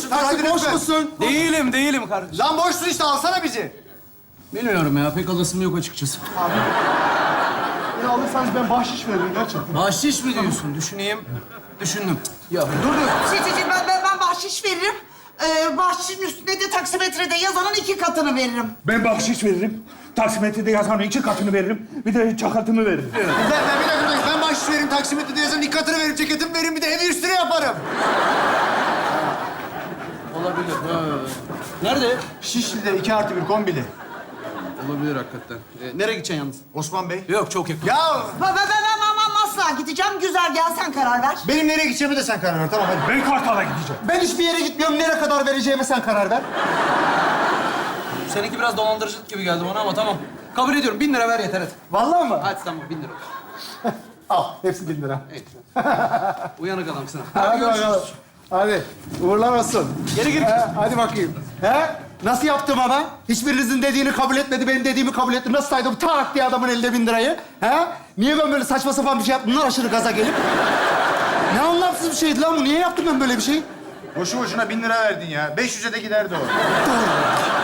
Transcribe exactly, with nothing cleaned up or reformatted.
musun? Taksi boş musun? Değilim, değilim kardeşim. Lan boşsun işte, alsana bizi. Bilmiyorum ya, pek alasım yok açıkçası. Beni alırsanız ben bahşiş veririm gerçekten. Bahşiş mi diyorsun? Düşüneyim. Düşündüm. Ya dur dur. Şey, şey, şey, ben, ben, ben bahşiş veririm. Ee, bahşişin üstüne de taksimetrede yazanın iki katını veririm. Ben bahşiş veririm. Taksimetrede yazanın iki katını veririm. Bir de çakatımı veririm. Ben, ben bir dakika, bir dakika. Ben bahşiş veririm, taksimetrede yazan dikkatini veririm, ceketimi veririm, bir de evi üstüne yaparım. Olabilir. Ha. Nerede? Şişli'de iki artı bir kombili. Olabilir hakikaten. Ee, nereye gideceksin yalnız? Osman Bey. Yok, çok yakın. Ya Ben, ben, ben, ben, ben asla gideceğim. Güzel, gel sen karar ver. benim nereye gideceğimi de sen karar ver, tamam hadi. Ben Kartal'a gideceğim. Ben hiçbir yere gitmiyorum, nereye kadar vereceğime sen karar ver. Seninki biraz dolandırıcılık gibi geldi bana ama tamam. Kabul ediyorum. Bin lira ver yeter hadi. Vallahi mı? Hadi tamam, bin lira. Al, hepsi bin lira. Evet. Uyanık adamsın. Hadi bakalım. Hadi, uğurlar olsun. Geri gir. He, hadi bakayım. He? Nasıl yaptım ama? Hiçbirinizin dediğini kabul etmedi, benim dediğimi kabul etti. Nasıl saydım tak diye adamın elinde bin lirayı? He? Niye ben böyle saçma sapan bir şey yaptım? Bunlar aşırı gaza gelip. Ne anlamsız bir şeydi lan bu? Niye yaptım ben böyle bir şey? Boşu boşuna bin lira verdin ya. beş yüze de giderdi o. Doğru.